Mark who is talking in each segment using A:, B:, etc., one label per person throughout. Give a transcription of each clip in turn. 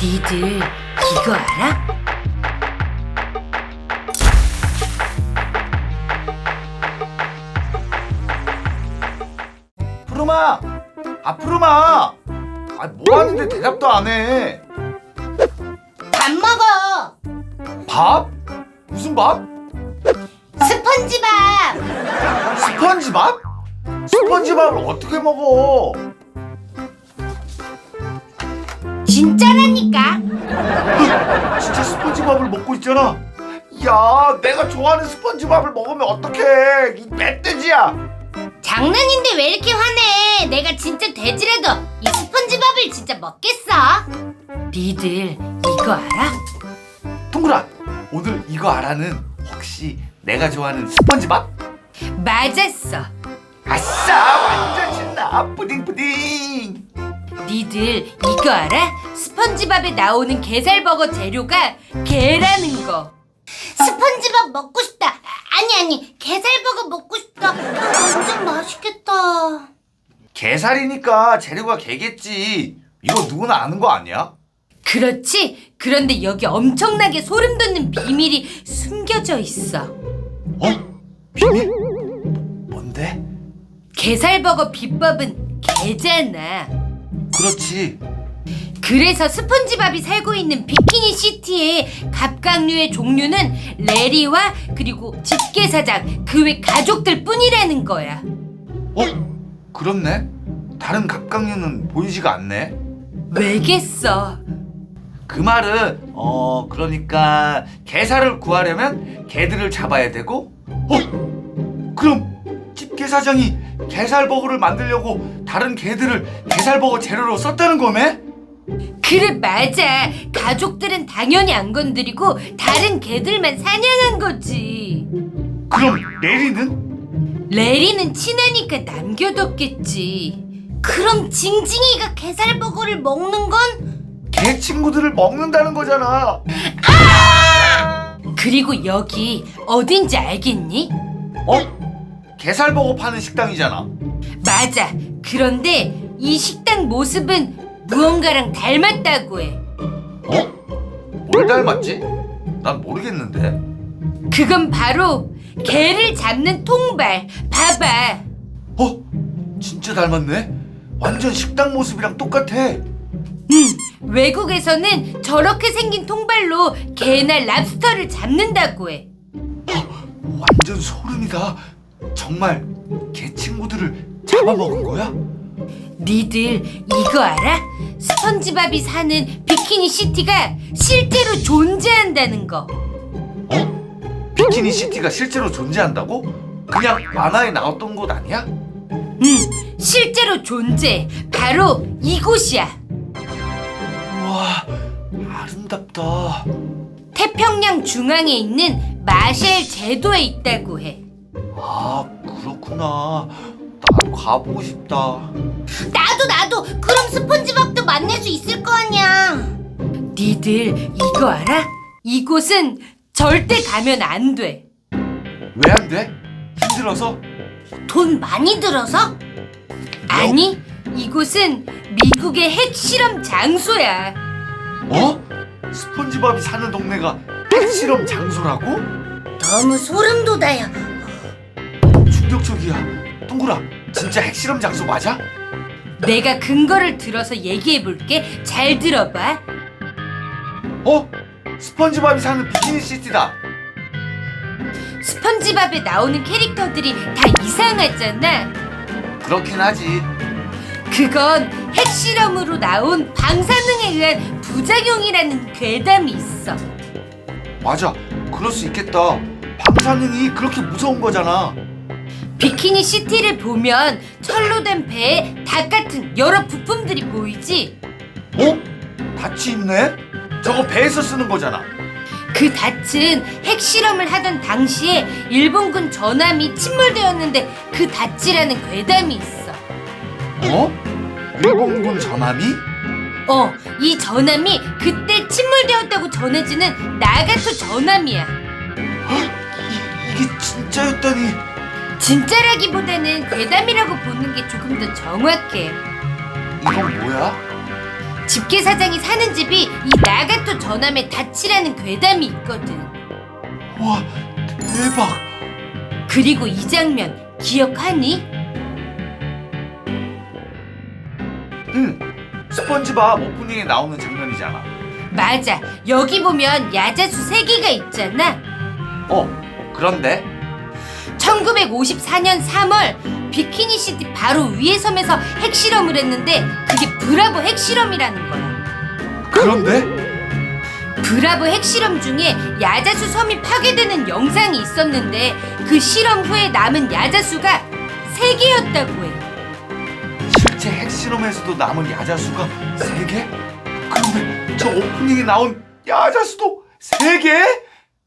A: 니들 이거 알아?
B: 푸르마! 푸르마! 뭐 하는데 대답도 안 해?
A: 밥 먹어.
B: 밥? 무슨 밥?
A: 스펀지밥.
B: 스펀지밥? 스펀지밥을 어떻게 먹어?
A: 진짜라니까.
B: 진짜 스펀지밥을 먹고 있잖아. 야, 내가 좋아하는 스펀지밥을 먹으면 어떡해? 이 멧돼지야.
A: 장난인데 왜 이렇게 화내? 내가 진짜 돼지라도 이 스펀지밥을 진짜 먹겠어. 니들 이거 알아?
B: 동그라, 오늘 이거 알아는 혹시 내가 좋아하는 스펀지밥?
A: 맞았어.
B: 아싸, 완전 신나. 뿌딩뿌딩.
A: 니들 이거 알아? 스펀지밥에 나오는 게살버거 재료가 게라는 거. 스펀지밥 먹고 싶다. 아니 게살버거 먹고 싶다. 완전 맛있겠다.
B: 게살이니까 재료가 게겠지. 이거 누구나 아는 거 아니야?
A: 그렇지. 그런데 여기 엄청나게 소름 돋는 비밀이 숨겨져 있어.
B: 비밀? 뭔데?
A: 게살버거 비법은 게잖아.
B: 그렇지.
A: 그래서 스펀지밥이 살고 있는 비키니 시티의 갑각류의 종류는 레리와 그리고 집게사장 그 외 가족들 뿐이라는 거야.
B: 그렇네. 다른 갑각류는 보이지가 않네.
A: 왜겠어?
B: 그 말은 그러니까 게살을 구하려면 개들을 잡아야 되고 그럼 집게사장이 게살버거를 만들려고 다른 개들을 게살버거 재료로 썼다는 거네?
A: 그래 맞아. 가족들은 당연히 안 건드리고 다른 개들만 사냥한 거지.
B: 그럼 레리는?
A: 레리는 친하니까 남겨뒀겠지. 그럼 징징이가 게살버거를 먹는 건?
B: 개 친구들을 먹는다는 거잖아.
A: 그리고 여기 어딘지 알겠니?
B: 게살버거 파는 식당이잖아.
A: 맞아. 그런데 이 식당 모습은 무언가랑 닮았다고 해.
B: 뭘 닮았지? 난 모르겠는데.
A: 그건 바로 개를 잡는 통발. 봐봐.
B: 진짜 닮았네. 완전 식당 모습이랑 똑같아.
A: 외국에서는 저렇게 생긴 통발로 개나 랍스터를 잡는다고 해.
B: 완전 소름이다. 정말 개 친구들을 잡아먹은 거야?
A: 니들 이거 알아? 스펀지밥이 사는 비키니 시티가 실제로 존재한다는 거.
B: 비키니 시티가 실제로 존재한다고? 그냥 만화에 나왔던 곳 아니야?
A: 실제로 존재. 바로 이곳이야.
B: 우와, 아름답다.
A: 태평양 중앙에 있는 마셸 제도에 있다고 해.
B: 그렇구나. 나도 가보고 싶다.
A: 나도 그럼 스펀지밥도 만날 수 있을 거 아니야. 니들 이거 알아? 이곳은 절대 가면 안 돼.
B: 왜 안 돼? 힘들어서?
A: 돈 많이 들어서? 아니, 이곳은 미국의 핵실험 장소야.
B: 스펀지밥이 사는 동네가 핵실험 장소라고?
A: 너무 소름 돋아요.
B: 충격적이야. 동그라, 진짜 핵실험 장소 맞아?
A: 내가 근거를 들어서 얘기해 볼게. 잘 들어봐.
B: 스펀지밥이 사는 비키니 시티다.
A: 스펀지밥에 나오는 캐릭터들이 다 이상하잖아.
B: 그렇긴 하지.
A: 그건 핵실험으로 나온 방사능에 의한 부작용이라는 괴담이 있어.
B: 맞아, 그럴 수 있겠다. 방사능이 그렇게 무서운 거잖아.
A: 비키니 시티를 보면 철로 된 배에 닭 같은 여러 부품들이 보이지?
B: 닻이 있네? 저거 배에서 쓰는 거잖아.
A: 그 닻은 핵실험을 하던 당시에 일본군 전함이 침몰되었는데 그 닻이라는 괴담이 있어.
B: 일본군 전함이?
A: 이 전함이 그때 침몰되었다고 전해지는 나가토 전함이야.
B: 이게 진짜였다니.
A: 진짜라기보다는 괴담이라고 보는 게 조금 더 정확해.
B: 이건 뭐야?
A: 집게사장이 사는 집이 이 연암의 닻이라는 괴담이 있거든.
B: 와, 대박.
A: 그리고 이 장면 기억하니?
B: 응, 스펀지밥 오프닝에 나오는 장면이잖아.
A: 맞아. 여기 보면 야자수 3개가 있잖아.
B: 그런데
A: 1954년 3월 비키니 시티 바로 위에 섬에서 핵실험을 했는데 그게 브라보 핵실험이라는 거야.
B: 그런데
A: 브라보 핵실험 중에 야자수 섬이 파괴되는 영상이 있었는데 그 실험 후에 남은 야자수가 3개였다고 해.
B: 실제 핵실험에서도 남은 야자수가 3개? 그런데 저 오프닝에 나온 야자수도 3개?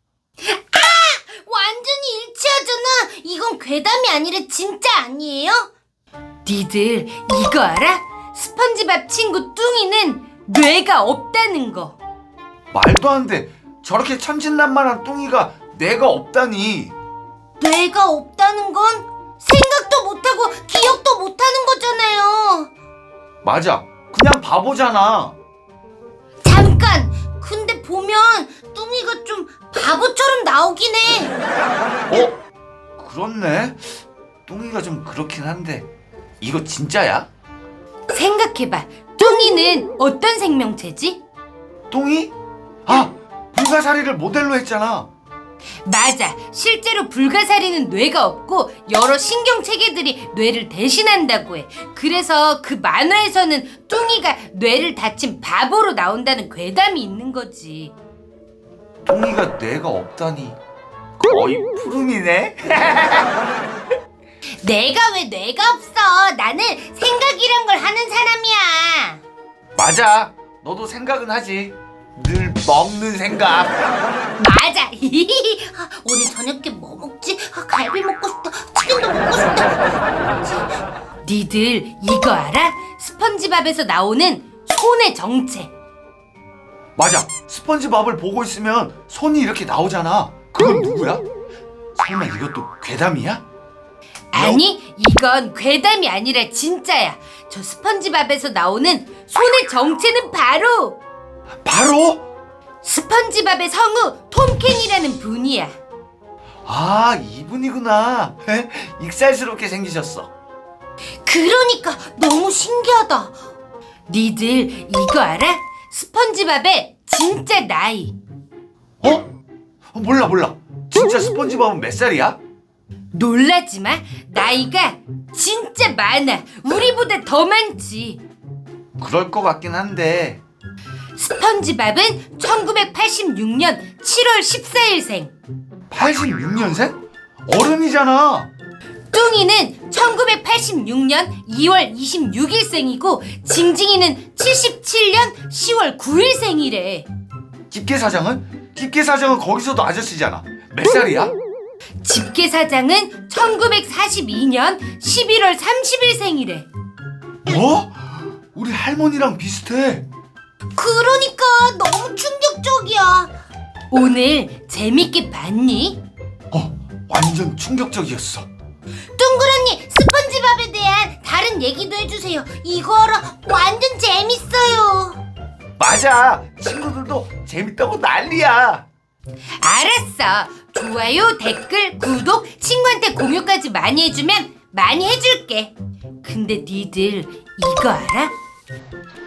A: 완전히 일치하잖아. 이건 괴담이 아니라 진짜 아니에요? 니들 이거 알아? 스펀지밥 친구 뚱이는 뇌가 없다는 거.
B: 말도 안 돼. 저렇게 천진난만한 뚱이가 뇌가 없다니.
A: 뇌가 없다는 건 생각도 못하고 기억도 못하는 거잖아요.
B: 맞아. 그냥 바보잖아.
A: 잠깐! 근데 보면 뚱이가 좀 바보처럼 나오긴 해.
B: 그렇네. 뚱이가 좀 그렇긴 한데 이거 진짜야?
A: 생각해봐. 뚱이는 어떤 생명체지?
B: 뚱이? 불가사리를 모델로 했잖아.
A: 맞아. 실제로 불가사리는 뇌가 없고 여러 신경체계들이 뇌를 대신한다고 해. 그래서 그 만화에서는 뚱이가 뇌를 다친 바보로 나온다는 괴담이 있는 거지.
B: 뚱이가 뇌가 없다니 거의 푸름이네.
A: 내가 왜 뇌가 없어? 나는 생각이란 걸 하는 사람이야.
B: 맞아. 너도 생각은 하지. 늘 먹는 생각.
A: 맞아. 오늘 저녁에 뭐 먹지? 갈비 먹고 싶다. 치킨도 먹고 싶다. 니들 이거 알아? 스펀지밥에서 나오는 손의 정체.
B: 맞아. 스펀지밥을 보고 있으면 손이 이렇게 나오잖아. 그건 누구야? 설마 이것도 괴담이야?
A: 아니, 이건 괴담이 아니라 진짜야. 저 스펀지밥에서 나오는 손의 정체는 바로 스펀지밥의 성우 톰 캔이라는 분이야.
B: 이분이구나. 익살스럽게 생기셨어.
A: 그러니까 너무 신기하다. 니들 이거 알아? 스펀지밥의 진짜 나이.
B: 몰라. 진짜 스펀지밥은 몇 살이야?
A: 놀라지 마. 나이가 진짜 많아. 우리보다 더 많지.
B: 그럴 것 같긴 한데.
A: 스펀지밥은 1986년 7월 14일생.
B: 86년생? 어른이잖아.
A: 뚱이는 1986년 2월 26일생이고 징징이는 77년 10월 9일생이래.
B: 집게사장은? 집게사장은 거기서도 아저씨잖아. 몇 살이야?
A: 집게사장은 1942년 11월 30일생이래.
B: 뭐? 우리 할머니랑 비슷해.
A: 그러니까 너무 충격적이야. 오늘 재밌게 봤니?
B: 완전 충격적이었어.
A: 둥그런니 스펀지밥에 대한 다른 얘기도 해주세요. 이거 알아? 완전 재밌어요.
B: 맞아. 친구들도 재밌다고 난리야.
A: 알았어. 좋아요, 댓글, 구독, 친구한테 공유까지 많이 해주면 많이 해줄게. 근데 니들 이거 알아?